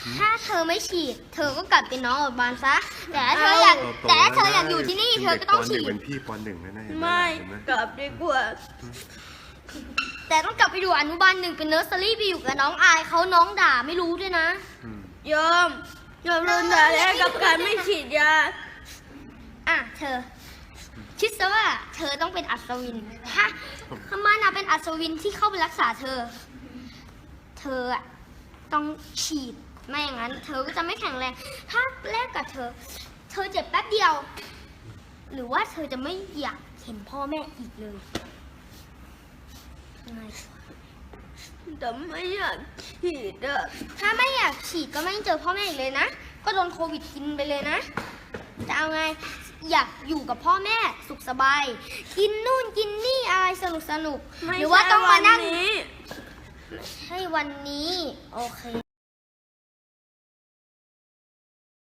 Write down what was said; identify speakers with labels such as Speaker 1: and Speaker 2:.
Speaker 1: ถ้าเธอไม่ฉีดเธอก็กลับเป็นน้องอดบานซะแต่ถ้าเธออยากอยู่ที่นี่เธอก็ต้องฉีด
Speaker 2: เป็นพี่ป.1แน่ๆ
Speaker 3: ไม่กลับดีกว่า
Speaker 1: แต่ต้องกลับไปอยู่อนุบาล 1เป็นเนอร์เซอรี่ไปอยู่กับน้องอายเขาน้องด่าไม่รู้ด้วยนะ
Speaker 3: ยอมโดนด่าแล้วกับการไม่ฉีดยา
Speaker 1: เธอคิดซะว่าเธอต้องเป็นอัศวินถ้ามันเป็นอัศวินที่เข้าไปรักษาเธอต้องฉีดไม่อย่างนั้นเธอก็จะไม่แข็งแรงถ้าแลกกับเธอเจ็บแป๊บเดียวหรือว่าเธอจะไม่อยากเห็นพ่อแม่อีกเลย
Speaker 3: แต่ไม่อยากฉีด
Speaker 1: ถ้าไม่อยากฉีดก็ไม่เจอพ่อแม่อีกเลยนะก็โดนโควิดกินไปเลยนะจะเอาไงอยากอยู่กับพ่อแม่สุขสบายกินนู่นกินนี่อะไรสนุกหรือว่าต้องมานั่งให้วันนี้โอเค